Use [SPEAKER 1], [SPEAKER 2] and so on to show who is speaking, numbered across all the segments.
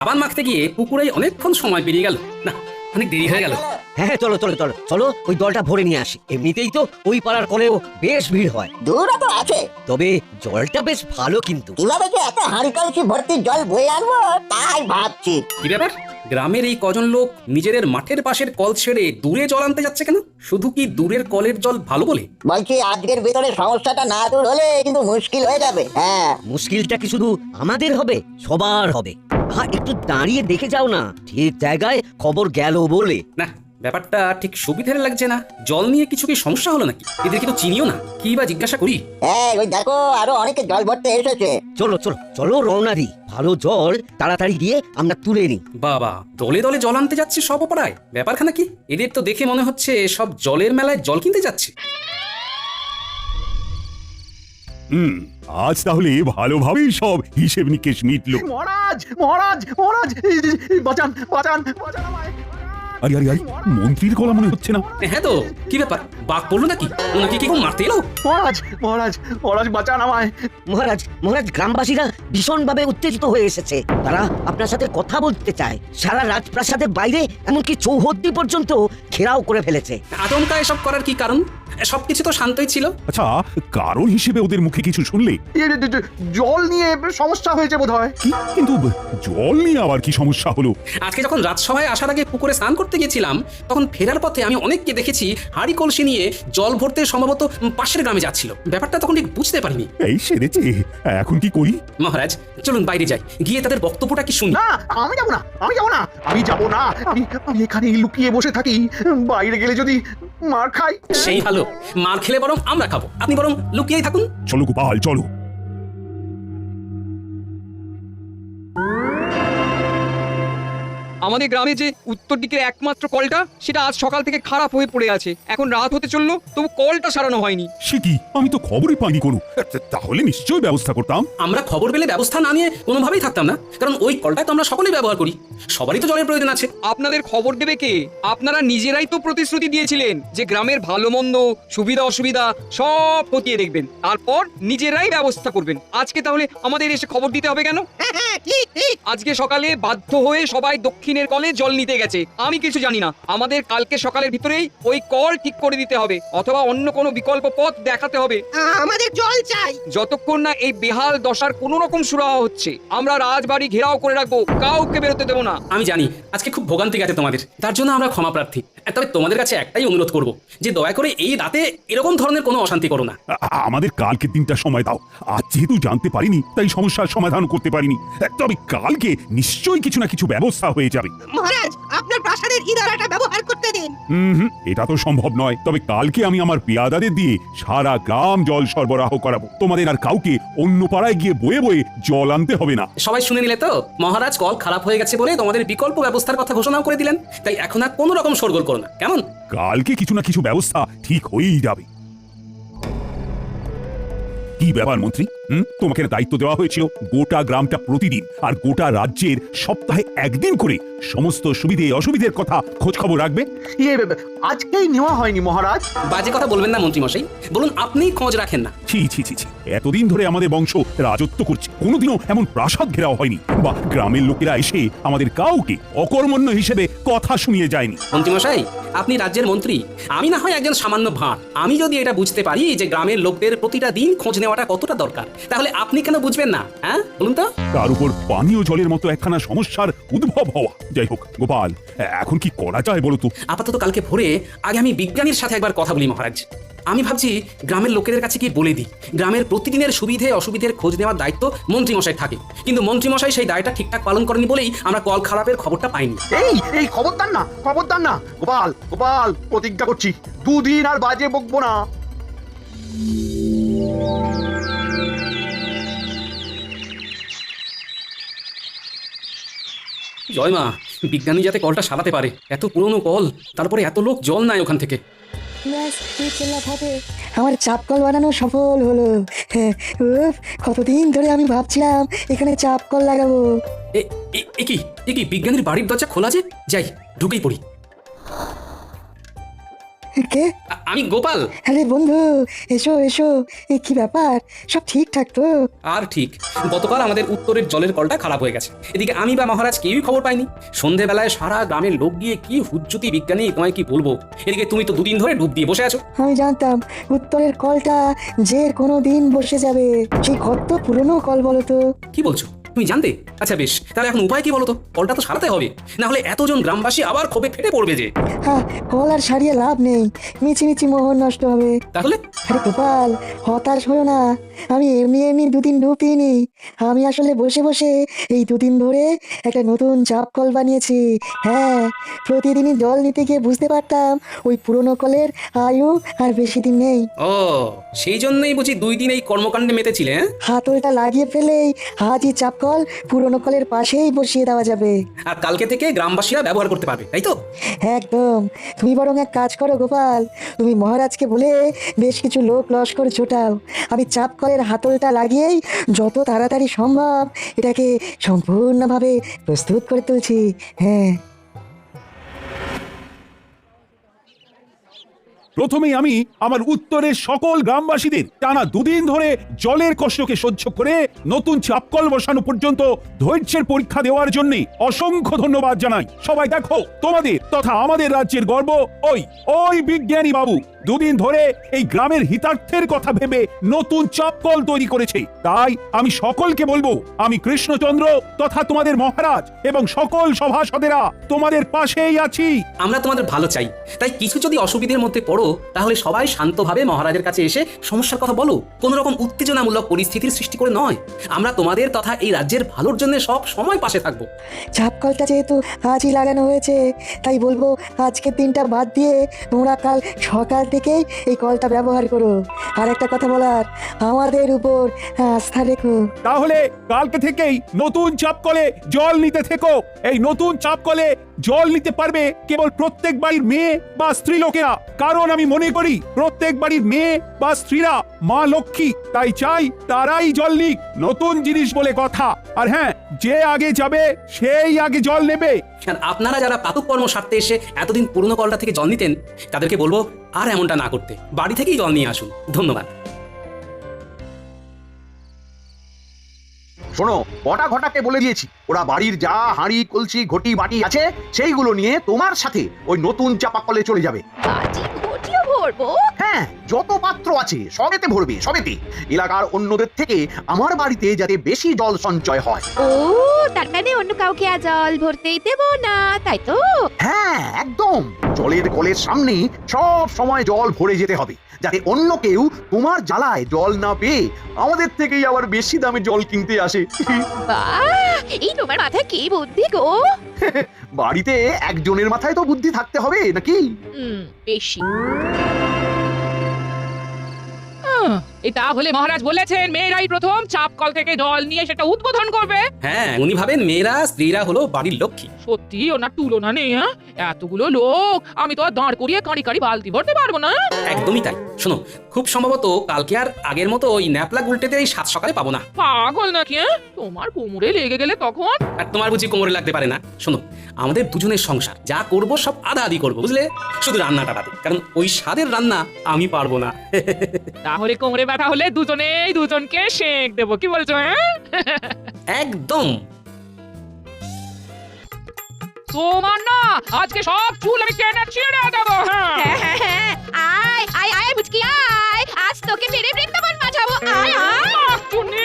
[SPEAKER 1] সাবান মাখতে গিয়ে পুকুরে অনেকক্ষণ সময় পেরিয়ে গেল। না, অনেক দেরি হয়ে গেল।
[SPEAKER 2] হ্যাঁ চলো চলো চলো চলো, ওই জলটা ভরে নিয়ে আসি। এমনিতেই তো ওই পাড়ার কলেও বেশ ভিড় হয়।
[SPEAKER 3] দূরও তো আছে,
[SPEAKER 2] তবে জলটা বেশ ভালো কিন্তু।
[SPEAKER 3] কিভাবে যে এত হাঁড়ি কলসি ভর্তি জল বয়ে আনবো তাই ভাবছি।
[SPEAKER 1] কি ব্যাপার, গ্রামের এই কজন লোক নিজেদের মাঠের পাশের কল ছেড়ে দূরে জল আনতে যাচ্ছে কেন? শুধু কি দূরের কলের জল ভালো বলে?
[SPEAKER 3] বলছি আজকের ভিতরে সমস্যাটা না দূর হলে কিন্তু মুশকিল হয়ে যাবে। হ্যাঁ,
[SPEAKER 2] মুশকিলটা কি শুধু আমাদের হবে? সবার হবে। হ্যাঁ, একটু দাঁড়িয়ে দেখে যাও না, ঠিক জায়গায় খবর গেল বলে।
[SPEAKER 1] না, ব্যাপারটা ঠিক সুবিধার লাগছে না। জল নিয়ে কিছু কি সমস্যা হলো নাকি? এদেরকে তো চিনিও না, কি বা জিজ্ঞাসা করি?
[SPEAKER 3] এই ওই দেখো আরো অনেকে জল ভরতে এসেছে।
[SPEAKER 2] চলো চলো চলো রওনা দিই। ভালো জল তাড়াতাড়ি দিয়ে আমরা তুলে নিই।
[SPEAKER 1] বাবা, দলে দলে জল আনতে যাচ্ছে সব অপরায়। ব্যাপারখানা কি? এদের তো দেখে মনে হচ্ছে সব জলের মেলায় জল কিনতে যাচ্ছে।
[SPEAKER 4] আজ তাহলে ভালোভাবেই সব হিসেব নিকেশ মিটলো।
[SPEAKER 5] মহারাজ মহারাজ মহারাজ, বাঁচান বাঁচান বাঁচান আমায়।
[SPEAKER 4] আরে আরে আরে, মন্ত্রীর গলা মনে হচ্ছে না?
[SPEAKER 1] হ্যাঁ তো, কি ব্যাপার, বাঘ পড়লো নাকি? ওনাকে কি কেউ মারতে এলো?
[SPEAKER 5] মহারাজ মহারাজ মহারাজ, বাঁচান আমায়।
[SPEAKER 2] মহারাজ মহারাজ, গ্রামবাসীরা ভীষণভাবে উত্তেজিত হয়ে এসেছে। তারা আপনার সাথে কথা বলতে চায়। সারা রাজপ্রাসাদের বাইরে এমনকি চৌহদ্দি পর্যন্ত ঘেরাও করে ফেলেছে।
[SPEAKER 1] আচমকা এসব করার কি কারণ? সবকিছু তো শান্তই ছিল।
[SPEAKER 4] আচ্ছা, কারণ হিসেবে ওদের মুখে কিছু শুনলে?
[SPEAKER 5] জল নিয়ে সমস্যা হয়েছে বোধ হয়।
[SPEAKER 4] কি কিন্তু জল নিয়ে আবার কি সমস্যা হলো?
[SPEAKER 1] আজকে যখন রাজসভায় আসার আগে পুকুরে স্নান করতে গেছিলাম, তখন ফেরার পথে আমি অনেককে দেখেছি হাঁড়ি কলসি নিয়ে জল ভরতে সম্ভবত পাশের গ্রামে যাচ্ছিল। ব্যাপারটা তখন ঠিক বুঝতে পারিনি।
[SPEAKER 4] এই সেরেছে, এখন কি করি?
[SPEAKER 1] মহারাজ, চলুন বাইরে যাই, গিয়ে তাদের বক্তব্যটা কি শুনি।
[SPEAKER 5] না, আমি যাব না, আমি যাব না, আমি যাব না। আমি আমি এখানেই লুকিয়ে বসে থাকি। বাইরে গেলে যদি মার খাই।
[SPEAKER 1] সেই ভালো, মার খেলে বরং আমরা খাবো, আপনি বরং লুকিয়েই থাকুন।
[SPEAKER 4] চলো গোপাল চলো।
[SPEAKER 6] আমাদের গ্রামে যে উত্তর দিকের একমাত্র কলটা, সেটা আজ সকাল থেকে খারাপ হয়ে পড়ে আছে। এখন রাত হতে চললো, তবু কলটা সারানো হয়নি।
[SPEAKER 4] সে কি, আমি তো খবরই পাইনি কোনো। তাহলে নিশ্চয়ই ব্যবস্থা করতাম।
[SPEAKER 1] আমরা খবর পেলে ব্যবস্থা না নিয়ে কোনোভাবেই থাকতাম না, কারণ ওই কলটা তো আমরা সকলেই ব্যবহার করি। সবারই তো জলের প্রয়োজন আছে।
[SPEAKER 6] আপনাদের খবর দেবে কে? আপনারা নিজেরাই তো প্রতিশ্রুতি দিয়েছিলেন যে গ্রামের ভালো মন্দ, সুবিধা অসুবিধা সব খতিয়ে দেখবেন, তারপর নিজেরাই ব্যবস্থা করবেন। আজকে তাহলে আমাদের এসে খবর দিতে হবে কেন? আজকে সকালে বাধ্য হয়ে সবাই দক্ষিণের কলে জল নিতে গেছে। আমি কিছু জানি না। আমাদের কালকে সকালের ভিতরেই ওই কল ঠিক করে দিতে হবে, অথবা অন্য কোনো বিকল্প পথ দেখাতে হবে।
[SPEAKER 7] আমাদের জল চাই।
[SPEAKER 6] যতক্ষণ না এই বেহাল দশার কোনো রকম সুরাহা হচ্ছে, আমরা রাজবাড়ি ঘেরাও করে রাখবো, কাউকে বেরোতে দেবো না।
[SPEAKER 1] আমি জানি আজকে খুব ভোগান্তি গেছে তোমাদের, তার জন্য আমরা ক্ষমা প্রার্থী। তবে তোমাদের কাছে একটাই অনুরোধ করব, যে দয়া করে এই রাতে এরকম ধরনের কোনো অশান্তি করো না।
[SPEAKER 4] আমাদের কালকে দিনটা সময় দাও। আজ যেহেতু জানতে পারিনি, তাই সমস্যার সমাধান করতে পারিনি। তবে কালকে নিশ্চয়ই কিছু না কিছু ব্যবস্থা হয়ে যাবে।
[SPEAKER 7] মহারাজ, আপনার প্রাসাদের ইদারাটা ব্যবহার করতে দিন।
[SPEAKER 4] এটা তো সম্ভব নয়। তবে কালকে আমি আমার পেয়াদাদের দিয়ে সারা গ্রাম জল সরবরাহ করাবো। তোমাদের আর কাউকে অন্য পাড়ায় গিয়ে বয়ে বয়ে জল আনতে হবে না।
[SPEAKER 1] সবাই শুনে নিলে তো? মহারাজ কল খারাপ হয়ে গেছে বলে তোমাদের বিকল্প ব্যবস্থার কথা ঘোষণাও করে দিলেন। তাই এখন আর কোনো রকম শোরগোল করো না, কেমন?
[SPEAKER 4] কালকে কিছু না কিছু ব্যবস্থা ঠিক হয়েই যাবে। কি ব্যাপার মন্ত্রী, তোমাকে দায়িত্ব দেওয়া হয়েছিল গোটা গ্রামটা প্রতিদিন আর গোটা রাজ্যের সপ্তাহে একদিন করে সমস্ত সুবিধে অসুবিধের কথা খোঁজ খবর রাখবে।
[SPEAKER 5] আজকেই নেওয়া হয়নি মহারাজ।
[SPEAKER 1] বাজে কথা বলবেন না মন্ত্রী মশাই, বলুন আপনিই খোঁজ রাখেন না।
[SPEAKER 4] ছি ছি ছি ছি, এতদিন ধরে আমাদের বংশ রাজত্ব করছে, কোনোদিনও এমন প্রাসাদ ঘেরাও হয়নি, বা গ্রামের লোকেরা এসে আমাদের কাউকে অকর্মণ্য হিসেবে কথা শুনিয়ে যায়নি।
[SPEAKER 1] মন্ত্রী মশাই, আপনি রাজ্যের মন্ত্রী, আমি না হয় একজন সামান্য ভাঁড়। আমি যদি এটা বুঝতে পারি যে গ্রামের লোকদের প্রতিটা দিন খোঁজ নেওয়াটা কতটা দরকার, তাহলে আপনি কেন বুঝবেন না? হ্যাঁ বলুন তো।
[SPEAKER 4] তার উপর পানীয় জলের মতো একখানা সমস্যার উদ্ভব হওয়া। যাই হোক গোপাল, এখন কি করা যায় বলো তো?
[SPEAKER 1] আপাতত কালকে ভোরে আগে আমি বিজ্ঞানীর সাথে একবার কথা বলি মহারাজ। আমি ভাবছি গ্রামের লোকেদের কাছে গিয়ে বলে দিই, গ্রামের প্রতিদিনের সুবিধে অসুবিধের খোঁজ নেওয়ার দায়িত্ব মন্ত্রীমশাই থাকে, কিন্তু মন্ত্রীমশাই সেই দায়টা ঠিকঠাক পালন করেনি বলেই আমরা কল খারাপের খবরটা পাইনি।
[SPEAKER 5] এই খবরদার না, খবরদার না গোপাল, গোপাল প্রতিজ্ঞা করছি দুদিন আর বাজে বকবো না।
[SPEAKER 1] জয় মা, বিজ্ঞানী যাতে কলটা সারাতে পারে। এত পুরনো কল, তারপরে এত লোক জল নাই ওখান থেকে।
[SPEAKER 8] আমার চাপ কল বানানো সফল হলো। কতদিন ধরে আমি ভাবছিলাম এখানে চাপ কল লাগাবো।
[SPEAKER 1] এ কি বিজ্ঞানীর বাড়ির দরজা খোলা যে? যাই, ঢুকেই পড়ি।
[SPEAKER 8] কে?
[SPEAKER 1] আমি গোপাল।
[SPEAKER 8] আরে বন্ধু, এসো এসো। এ কি ব্যাপার, সব ঠিকঠাক তো?
[SPEAKER 1] আর ঠিক, গতকাল আমাদের উত্তরের জলের কলটা খারাপ হয়ে গেছে। এদিকে আমি বা মহারাজ কেউই খবর পাইনি। সন্ধেবেলায় সারা গ্রামের লোক গিয়ে কি হুজ্জুতি বিজ্ঞানী, তোমায় কি বলবো। এদিকে তুমি তো দুদিন ধরে ডুব দিয়ে বসে আছো।
[SPEAKER 8] আমি জানতাম উত্তরের কলটা যে কোনো দিন বসে যাবে। সেই কত পুরনো কল বলো তো?
[SPEAKER 1] কি বলছো, তুমি জানতে? আচ্ছা বেশ, তাহলে এখন উপায় কি বলো তো? কলটা তো সারাতে হবে, না হলে এতজন গ্রামবাসী আবার ক্ষোভে ফেটে পড়বে যে।
[SPEAKER 8] হ্যাঁ, কল আর সারিয়ে লাভ নেই, মিছি মোহর নষ্ট হবে।
[SPEAKER 1] তাহলে
[SPEAKER 8] আরে গোপাল, হতাশ হলো না। আমি এমনি দুদিন ডুব দিইনি। আমি আসলে বসে বসে এই দুদিন ধরে একটা নতুন চাপ কল বানিয়েছি। হ্যাঁ, প্রতিদিনই জল নিতে গিয়ে বুঝতে পারতাম ওই পুরনো কলের আয়ু আর বেশি দিন নেই।
[SPEAKER 1] ও, সেই জন্যই বুঝি 2 দিন এই কর্মকাণ্ডে মেতেছিলে। হ্যাঁ?
[SPEAKER 8] হাতলটা লাগিয়ে ফেলেই আজই চাপ কল পুরনো কলের পাশেই বসিয়ে দেওয়া যাবে।
[SPEAKER 1] আর কালকে থেকে গ্রামবাসীরা ব্যবহার করতে পারবে, তাই তো?
[SPEAKER 8] একদম। তুমি বরং এক কাজ করো গোপাল, তুমি মহারাজকে বলে বেশ কিছু লোক লস্কর জোটাও। আমি চাপ কলের হাতলটা লাগিয়েই যত তাড়াতাড়ি সম্ভব এটাকে সম্পূর্ণভাবে প্রস্তুত করে তুলছি। হ্যাঁ,
[SPEAKER 4] প্রথমেই আমি আমার উত্তরের সকল গ্রামবাসীদের টানা 2 দিন ধরে জলের কষ্টকে সহ্য করে নতুন চাপকল বসানো পর্যন্ত ধৈর্যের পরীক্ষা দেওয়ার জন্য অসংখ্য ধন্যবাদ জানাই। সবাই দেখো, তোমাদের তথা আমাদের রাজ্যের গর্ব ওই বিজ্ঞানী বাবু 2 দিন ধরে এই গ্রামের হিতার্থের কথা ভেবে নতুন চাপকল তৈরি করেছে। তাই আমি সকলকে বলবো, আমি কৃষ্ণচন্দ্র তথা তোমাদের মহারাজ এবং সকল সভাসদেরা তোমাদের পাশেই আছি।
[SPEAKER 1] আমরা তোমাদের ভালো চাই, তাই কিছু যদি অসুবিধার মধ্যে পড়ো তাহলে সবাই শান্তভাবে মহারাজের কাছে এসে সমস্যার কথা বলো। কোনো রকম উত্তেজনামূলক পরিস্থিতির সৃষ্টি করে নয়। আমরা তোমাদের তথা এই রাজ্যের ভালোর জন্য সব সময় পাশে থাকবো।
[SPEAKER 8] চাপ কলটা যেহেতু আজই লাগানো হয়েছে, তাই বলবো আজকের দিনটা বাদ দিয়ে তোমরা কাল সকাল থেকেই এই কলটা ব্যবহার করো। আর একটা কথা বলার, আমাদের উপর আস্থা রেখো।
[SPEAKER 4] তাহলে কালকে থেকেই নতুন চাপকলে জল নিতে থেকো। এই নতুন চাপকলে জল নিতে পারবে কেবল প্রত্যেক বাড়ির মেয়ে বা স্ত্রী লোকেরা, কারণ আমি মনে করি প্রত্যেক বাড়ির মেয়ে বা স্ত্রীরা মা লক্ষ্মী। তাই চাই তারাই জল নিক, নতুন জিনিস বলে কথা। আর হ্যাঁ, যে আগে যাবে সেই আগে জল নেবে।
[SPEAKER 1] আর আপনারা যারা প্রাতঃকর্ম সারতে এসে এতদিন পুরনো কলটা থেকে জল নিতেন, তাদেরকে বলবো আর এমনটা না করতে, বাড়ি থেকেই জল নিয়ে আসুন। ধন্যবাদ।
[SPEAKER 5] শোনো, বটা ঘটাকে বলে দিয়েছি, ওরা বাড়ির যা হাঁড়ি কলসি ঘটি বাটি আছে সেইগুলো নিয়ে তোমার সাথে ওই নতুন চাপাকলে চলে যাবে।
[SPEAKER 9] বাটি ঘটিও ভরবো?
[SPEAKER 5] হ্যাঁ, যত পাত্র আছে সবেতে ভরবে, সবেতে। এলাকার অন্যদের থেকে আমার বাড়িতে যাতে বেশি জল সঞ্চয় হয়।
[SPEAKER 9] ও, তার মানে অন্য কাউকে আর জল ভরতেই দেবো না, তাই তো?
[SPEAKER 5] হ্যাঁ, একদম। জলের কলের সামনে সব সময় জল ভরে যেতে হবে, যাতে অন্য কেউ তোমার জ্বালায় জল না পেয়ে আমাদের থেকেই আবার বেশি দামে জল কিনতে আসে।
[SPEAKER 9] বাহ, এই তোমার মাথায় কি বুদ্ধি গো!
[SPEAKER 5] বাড়িতে একজনের মাথায় তো বুদ্ধি থাকতে হবে নাকি?
[SPEAKER 9] বেশি।
[SPEAKER 10] এটা হলে মহারাজ বলেছেন মেয়েরাই প্রথম চাপ কল থেকে জল নিয়ে সেটা উদ্বোধন করবে।
[SPEAKER 1] হ্যাঁ, উনি ভাবেন মেয়েরা স্ত্রীরা হলো বাড়ির লক্ষ্মী।
[SPEAKER 10] সত্যি ওনার তুলনা নেই। হ্যাঁ, এতগুলো লোক আমি তো আর দাঁড় করিয়ে কাঁড়ি কাঁড়ি বালতি ভরতে পারবো না।
[SPEAKER 1] একদমই তাই। শোনো, খুব সম্ভবত কালকে আর আগের মতো ওই ন্যাপলা উল্টেতে এই 7 সকালে পাবো না।
[SPEAKER 10] পাগল নাকি? তোমার কোমরে লেগে গেলে তখন?
[SPEAKER 1] আর তোমার বুঝি কোমরে লাগতে পারে না? শোনো, আমাদের দুজনের সংসার, যা করব সব আধা আধি করবো, বুঝলে? শুধু রান্নাটা বাদে, কারণ ওই স্বাদের রান্না আমি পারবো না।
[SPEAKER 10] তাহলে কোমরে ব্যথা হলে দুজনেই দুজনকে শেক দেবো, কি বলছো? হ্যাঁ,
[SPEAKER 1] একদম।
[SPEAKER 10] তোমার না আজকে সব চুল আমি টেনে ছিঁড়ে দেবো। হ্যাঁ,
[SPEAKER 9] আয় আয় আয় বুঝকি আয়, আজ তোকে মেরে বৃন্দাবন বাঁচাবো। আয় আয়।
[SPEAKER 10] চুনি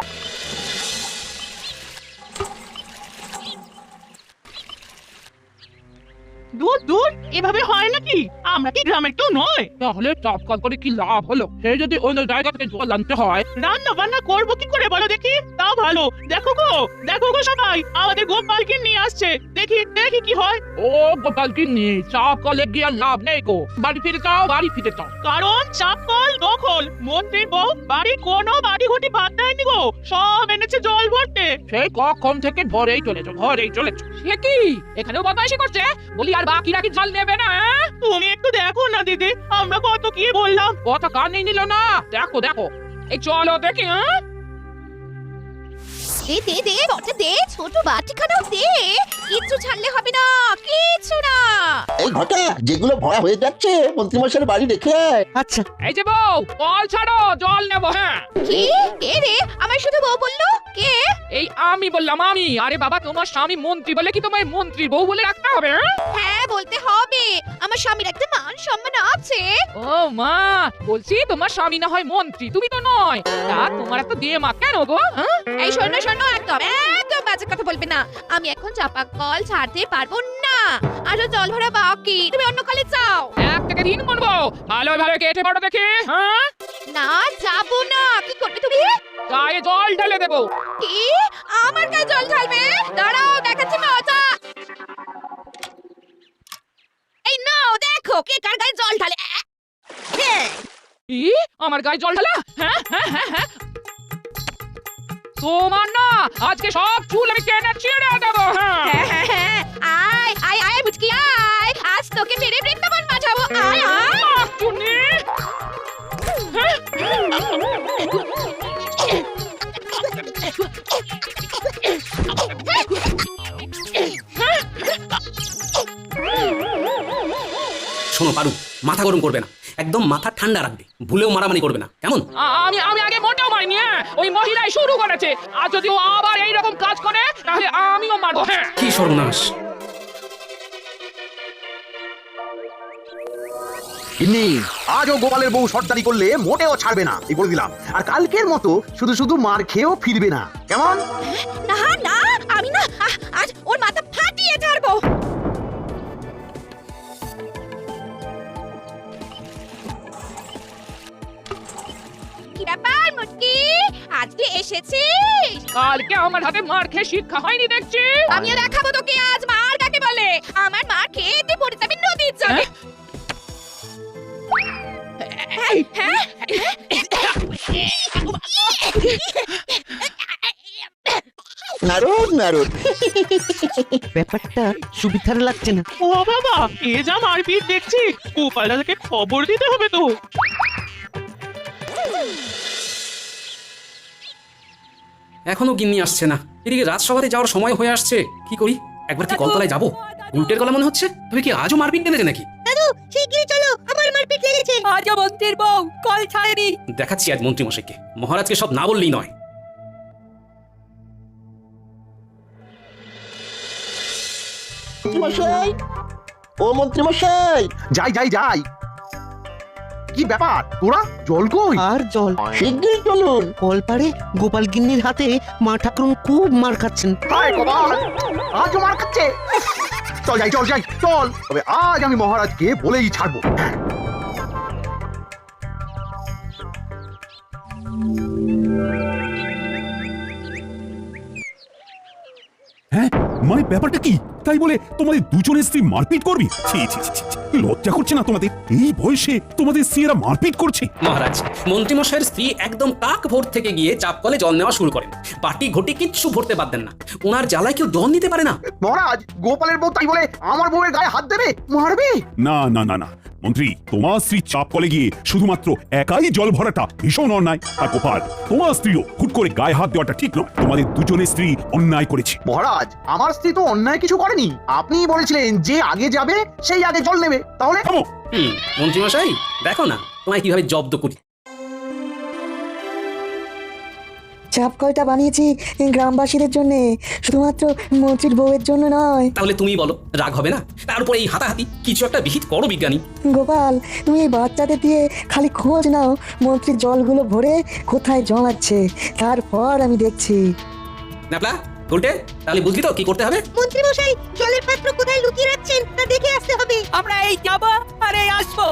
[SPEAKER 7] দূর দূর, এভাবে হয় নাকি? আমরা কি গ্রামের কেউ নয়?
[SPEAKER 10] তাহলে চাপ কল করে কি লাভ হলো? সে যদি অন্য জায়গা থেকে জল আনতে হয়,
[SPEAKER 7] রান্না বান্না করবো কি করে বলো দেখি? তাও ভালো। দেখো গো সবাই, আমাদের গোপালকে নিয়ে আসছে। দেখি দেখি কি হয়।
[SPEAKER 10] ও গোপাল কি নিয়ে চাপ কলে গিয়ে লাভ নেই গো। বাড়ি ফিরে যাও, বাড়ি ফিরে যাও।
[SPEAKER 7] কারণ চাপ কল দখল। মন্ত্রী বউ বাড়ির কোনো বাড়ি ঘটি বাদ দেয়নি গো, সব এনেছে জল ভরতে।
[SPEAKER 10] সেই কখন থেকে ঘরেই চলেছো, ঘরেই চলেছো। সে কি এখানেও বদমাইশি করছে? বলি আর বাকিরা কি জল নেবে না?
[SPEAKER 7] তুমি একটু দেখো না দিদি, আমরা কত কি বললাম।
[SPEAKER 10] কথা কানে নিল না। দেখো দেখো, এই চলো দেখি। হ্যাঁ,
[SPEAKER 9] দে দে দে বটে দে, ছোট বাটিখানাও দে। কিচ্ছু ছাড়লে হবে না, কিচ্ছু না।
[SPEAKER 3] এই ঘটা যেগুলো ভরা হয়ে যাচ্ছে মন্ত্রীমশাইয়ের বাড়ি রেখে আয়।
[SPEAKER 2] আচ্ছা
[SPEAKER 10] এই যে বউ কল ছাড়ো জল নেবো হ্যাঁ
[SPEAKER 9] কি কে রে আমার শুধু বউ বললো কে
[SPEAKER 10] এই আমি বললাম আমি আরে বাবা তোমার স্বামী মন্ত্রী বলে কি তোমায় মন্ত্রী বউ বলে রাখতে হবে হ্যাঁ?
[SPEAKER 9] হ্যাঁ বলতে হবে আমার স্বামীর একটা মান সম্মান আছে
[SPEAKER 10] ও মা বলছি তোমার স্বামী না হয় মন্ত্রী তুমি তো নয় তা তোমার এত দিয়ে মা কেন গো হ্যাঁ?
[SPEAKER 9] এই শোনো শোনো একদম একদম বাজে কথা বলবে না আমি এখন চাপা কল ছাড়তে পারবো না আরো জল ভরা বাকি তুমি অন্য কলে যাও
[SPEAKER 10] 1 থেকে 3 গুনবো ভালো ভালো কেটে পড়ো দেখি হ্যাঁ
[SPEAKER 9] না যাবো না কি করবে তুমি
[SPEAKER 10] গায়ে জল ঢেলে দেবো
[SPEAKER 9] কি আমার গায়ে জল ঢালবে দাঁড়াও দেখাচ্ছি মজা এই নাও দেখো কে কার গায়ে জল ঢালে হ্যাঁ
[SPEAKER 10] ই আমার গায়ে জল ঢালা হ্যাঁ হ্যাঁ হ্যাঁ হ্যাঁ তোমার না আজকে সব চুল আমি টেনে ছিঁড়ে দেবো হ্যাঁ
[SPEAKER 9] হ্যাঁ, আয় আয় আয় মুচকি আয় আজ তোকে মেরে বৃন্দাবন পাঠাবো আয় আয়
[SPEAKER 10] চুনি
[SPEAKER 1] শোনো পারু, মাথা গরম করবে না, একদম মাথা ঠান্ডা রাখবে, ভুলেও মারামারি করবে না, কেমন?
[SPEAKER 10] আমি আমি আগে মোটেও মারিনি হ্যাঁ ওই মহিলাই শুরু করেছে আর যদি ও আবার এইরকম কাজ করে তাহলে আমিও মারবো হ্যাঁ
[SPEAKER 1] কি সর্বনাশ!
[SPEAKER 5] গিন্নি আজও গোপালের বউ সর্দারি করলে মোটেও ছাড়বে না এই বলে দিলাম। আর কালকের মতো শুধু শুধু মার খেয়েও ফিরবে না, কেমন?
[SPEAKER 9] না না আমি না আজ ওর মাথা ফাটিয়ে ছাড়বো কি ব্যাপার মুচকি আজকে এসেছিস
[SPEAKER 10] কালকে আমার হাতে মার খেয়ে শিক্ষা হয়নি দেখছি
[SPEAKER 9] আমিও দেখাবো তোকে আজ মার কাকে বলে আমার মার খেয়ে তুই পড়ে যাবি নদীর জলে হ্যাঁ?
[SPEAKER 3] নারদ নারদ
[SPEAKER 2] ব্যাপারটা সুবিধার লাগছে না।
[SPEAKER 7] ও বাবা এ যা মারপিট দেখছি গোপাল দাদাকে খবর দিতে হবে তো
[SPEAKER 1] এখনো গিন্নি আসছে না, এদিকে রাজসভাতে যাওয়ার সময় হয়ে আসছে, কি করি? একবার কি কলতলায় যাবো? উল্টের গলা মনে হচ্ছে, তবে কি আজও মারপিট বেঁধেছে নাকি?
[SPEAKER 9] শিগগিরই চলো আমার মারপিট লেগেছে
[SPEAKER 2] আজও মন্ত্রীর বউ কল ছাড়েনি।
[SPEAKER 1] দেখাচ্ছি আজ মন্ত্রী মশাইকে, মহারাজকে সব না বললেই নয়।
[SPEAKER 3] মশাই, ও মন্ত্রী মশাই,
[SPEAKER 5] যাই যাই যাই। কি ব্যাপার তোরা জল কই?
[SPEAKER 2] আর জল
[SPEAKER 3] শিগগিরই চলুন।
[SPEAKER 2] কল পারে গোপাল গিন্নির হাতে মা ঠাকুরন খুব মার খাচ্ছেন।
[SPEAKER 5] হায় গোপাল, আজও মার খাচ্ছে। চল যাই চল যাই চল, তবে আজ আমি মহারাজকে বলেই ছাড়বো।
[SPEAKER 4] হ্যাঁ মানে ব্যাপারটা কি? তাই বলে তোমাদের দুজনের স্ত্রী মারপিট করবি? ছি ছি ছি ছি, লজ্জা করছে না তোমাদের? এই বয়সে তোমাদের স্ত্রীরা মারপিট করছে?
[SPEAKER 1] মহারাজ, মন্ত্রী মশাইয়ের স্ত্রী একদম কাক ভোর থেকে গিয়ে চাপ কলে জল নেওয়া শুরু করেন, পাটি ঘটি কিচ্ছু ভরতে পারতেন না, ওনার জ্বালায় কেউ জল নিতে পারে না।
[SPEAKER 5] মহারাজ, গোপালের বউ তাই বলে আমার বউয়ের গায়ে হাত দেবে, মারবে?
[SPEAKER 4] না না না না মন্ত্রী, তোমার স্ত্রী চাপ কলে গিয়ে শুধুমাত্র একাই জল ভরাটা ভীষণ অন্যায়। আর গোপাল, তোমার স্ত্রীও হুট করে গায়ে হাত দেওয়াটা ঠিক নয়। তোমাদের দুজনের স্ত্রী অন্যায় করেছে।
[SPEAKER 5] মহারাজ, আমার স্ত্রী তো অন্যায় কিছু করেনি। আপনিই বলেছিলেন যে আগে যাবে সেই আগে জল নেবে, তাহলে?
[SPEAKER 4] থামো।
[SPEAKER 1] মন্ত্রী মশাই দেখো না তোমায় কিভাবে জব্দ করি।
[SPEAKER 8] চাপ কলটা বানিয়েছি গ্রামবাসীদের জন্য, শুধুমাত্র মন্ত্রীর বউয়ের জন্য নয়।
[SPEAKER 1] তাহলে তুমি বলো, রাগ হবে না? তার উপরে এই হাতাহাতি, কিছু একটা বিহিত করো বিজ্ঞানী।
[SPEAKER 8] গোপাল, তুমি এই বাচ্চাদের দিয়ে খালি খোঁজ নাও মন্ত্রীর জলগুলো ভরে কোথায় জমাচ্ছে, তারপর আমি দেখছি।
[SPEAKER 1] ন্যাপলা, উল্টে, তাহলে বুঝলি তো কি করতে হবে?
[SPEAKER 9] মন্ত্রী মশাই জলের পাত্র কোথায় লুকিয়ে রাখছেন তা দেখে আসতে হবে
[SPEAKER 2] আমরা এই যাবো আর এই আসবো।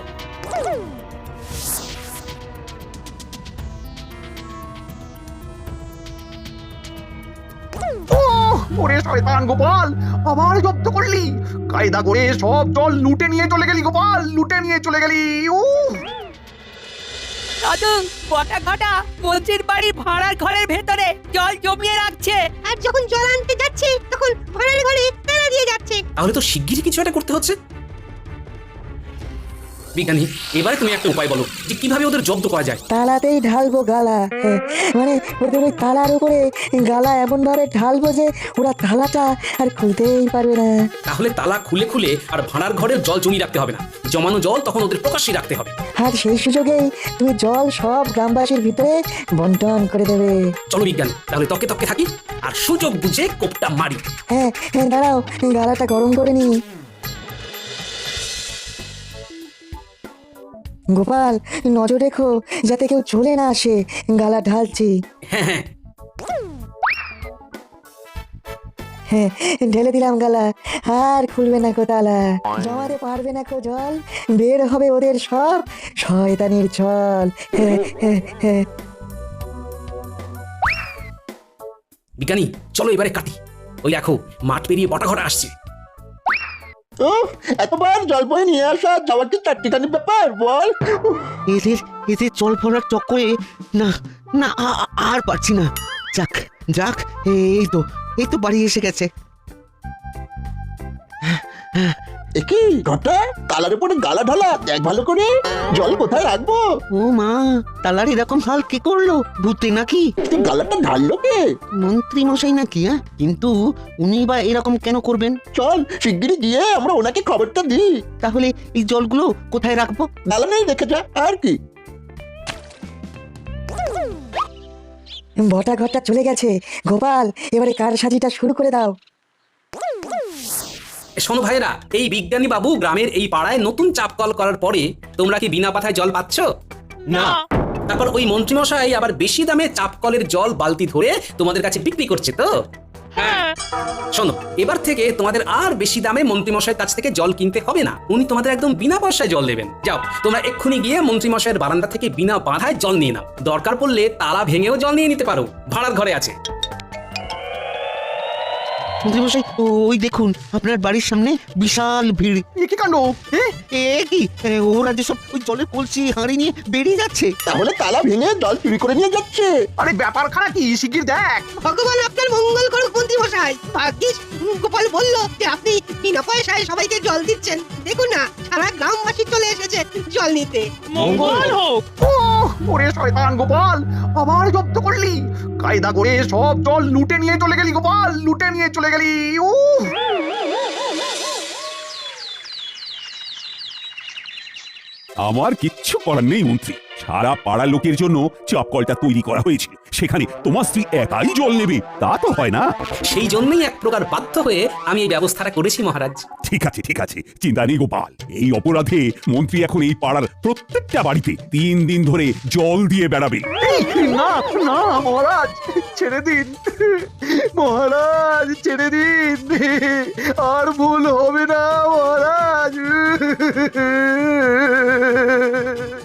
[SPEAKER 5] ওরে শয়তান গোপাল, আবার জব্দ করলি? কায়দা করে সব জল লুটে নিয়ে চলে গেলি গোপাল, লুটে নিয়ে চলে গেলি।
[SPEAKER 2] দাদু, কটা ঘটা মন্ত্রীর বাড়ির ভাড়ার ঘরের ভেতরে জল জমিয়ে রাখছে।
[SPEAKER 9] আর যখন জল আনতে যাচ্ছে তখন ভাড়ার ঘরে তালা দিয়ে যাচ্ছে
[SPEAKER 1] তাহলে তো শিগগিরই কিছু একটা করতে হচ্ছে। বিজ্ঞানী, এবারে তুমি একটা উপায় বলো যে কিভাবে ওদের জব্দ করা যায়।
[SPEAKER 8] তালাতেই ঢালবো গালা, মানে ওদের ওই তালার উপরে গালা এমন ভাবে ঢালবো যে ওরা তালাটা আর খুলতেই পারবে না।
[SPEAKER 1] তাহলে তালা খুলে খুলে আর ভাড়ার ঘরের জল জমিয়ে রাখতে হবে না, জমানো জল তখন ওদের প্রকাশ্যে রাখতে হবে।
[SPEAKER 8] আর সেই সুযোগেই তুমি জল সব গ্রামবাসীর ভিতরে বন্টন করে দেবে।
[SPEAKER 1] চলো বিজ্ঞানী, তাহলে তকে তকে থাকি আর সুযোগ বুঝে কোপটা মারি।
[SPEAKER 8] হ্যাঁ হ্যাঁ, দাঁড়াও, গালাটা গরম করে নি। গোপাল, নজর রেখো যাতে কেউ চলে না আসে, গালা ঢালছি।
[SPEAKER 1] হ্যাঁ হ্যাঁ,
[SPEAKER 8] হ্যাঁ, ঢেলে দিলাম গালা, আর খুলবে না কো তালা, জমাতে পারবে না কো জল, বের হবে ওদের সব শয়তানির ছল। হ্যাঁ হ্যাঁ হ্যাঁ।
[SPEAKER 1] বিজ্ঞানী চলো এবারে কাটি। ওই দেখো মাঠ পেরিয়ে বটা ঘরে আসছে।
[SPEAKER 3] এতবার জল বয়ে নিয়ে আসা যাওয়ার কি চারটিখানি ব্যাপার বল?
[SPEAKER 2] এদের এদের জল ভরার চক্করে না না আর পারছি না। যাক যাক, এই তো বাড়ি এসে গেছে।
[SPEAKER 3] কি ঘটা কালার উপরে গালা ঢালা, দেখ ভালো করে জল কোথায় রাখবো।
[SPEAKER 2] ও মা, তালার এরকম হাল কি করলো? ভূতে নাকি?
[SPEAKER 3] তুই গালাটা ঢাললো কে?
[SPEAKER 2] মন্ত্রী মশাই নাকি? হ্যাঁ, কিন্তু উনি বা এরকম কেন করবেন?
[SPEAKER 3] চল শিগগিরই গিয়ে আমরা ওনাকে খবরটা দিই।
[SPEAKER 2] তাহলে এই জলগুলো কোথায় রাখবো?
[SPEAKER 3] গালা নেই রেখে যা, আর কি।
[SPEAKER 8] বটা ঘরটা চলে গেছে। গোপাল, এবারে কার সাজিটা শুরু করে দাও।
[SPEAKER 1] শোনো ভাইরা, এই বিজ্ঞানী বাবু গ্রামের এই পাড়ায় নতুন চাপকল করার পরে তোমরা কি বিনা পাথায় জল পাচ্ছ?
[SPEAKER 7] না।
[SPEAKER 1] তারপর ওই মন্ত্রীমশাই আবার বেশি দামে চাপকলের জল বালতি ধরে তোমাদের কাছে বিক্রি করছে তো?
[SPEAKER 7] হ্যাঁ।
[SPEAKER 1] শোনো, এবার থেকে তোমাদের আর বেশি দামে মন্ত্রীমশাইয়ের কাছ থেকে জল কিনতে হবে না, উনি তোমাদের একদম বিনা পয়সায় জল দেবেন। যাও তোমরা এক্ষুনি গিয়ে মন্ত্রীমশাইয়ের বারান্দা থেকে বিনা বাধায় জল নিয়ে নাও, দরকার পড়লে তালা ভেঙেও জল নিয়ে নিতে পারো, ভাড়ার ঘরে আছে।
[SPEAKER 2] মন্ত্রীমশাই, ওই দেখুন আপনার বাড়ির সামনে বিশাল ভিড়।
[SPEAKER 5] এ কি কাণ্ড?
[SPEAKER 2] এ কি, ওরা যেসব ওই জলের কলসি হাঁড়ি নিয়ে বেরিয়ে যাচ্ছে।
[SPEAKER 3] তাহলে তালা ভেঙে জল চুরি করে নিয়ে যাচ্ছে।
[SPEAKER 5] আরে ব্যাপারখানা কি শিগগির দেখ।
[SPEAKER 11] ভগবান আপনার মঙ্গল করুক মন্ত্রী মশাই। ভাগ্যিস গোপাল বলল যে আপনি বিনা পয়সায় সবাইকে জল দিচ্ছেন। দেখুন না, সারা গ্রামবাসী চলে এসেছে জল নিতে।
[SPEAKER 7] মঙ্গল হোক।
[SPEAKER 5] ওরে শয়তান গোপাল, আবার জব্দ করলি, কায়দা করে সব জল লুটে নিয়ে চলে গেলি গোপাল, লুটে নিয়ে চলে গেলি।
[SPEAKER 4] আমার কিচ্ছু করার নেই মন্ত্রী, সারা পাড়া লোকের জন্য চাপকলটা তৈরি করা হয়েছিল, সেখানে তোমার স্ত্রী একাই জল নেবে তা তো হয় না।
[SPEAKER 1] সেই জন্যই এক প্রকার বাধ্য হয়ে আমি এই ব্যবস্থাটা করেছি মহারাজ।
[SPEAKER 4] ঠিক আছে, চিন্তা নেই গোপাল। এই অপরাধে মন্ত্রী এখন এই পাড়ার প্রত্যেকটা বাড়িতে 3 দিন ধরে জল দিয়ে বেড়াবে।
[SPEAKER 5] না না মহারাজ, ছেড়ে দিন মহারাজ, ছেড়ে দিন, আর ভুল হবে না মহারাজ।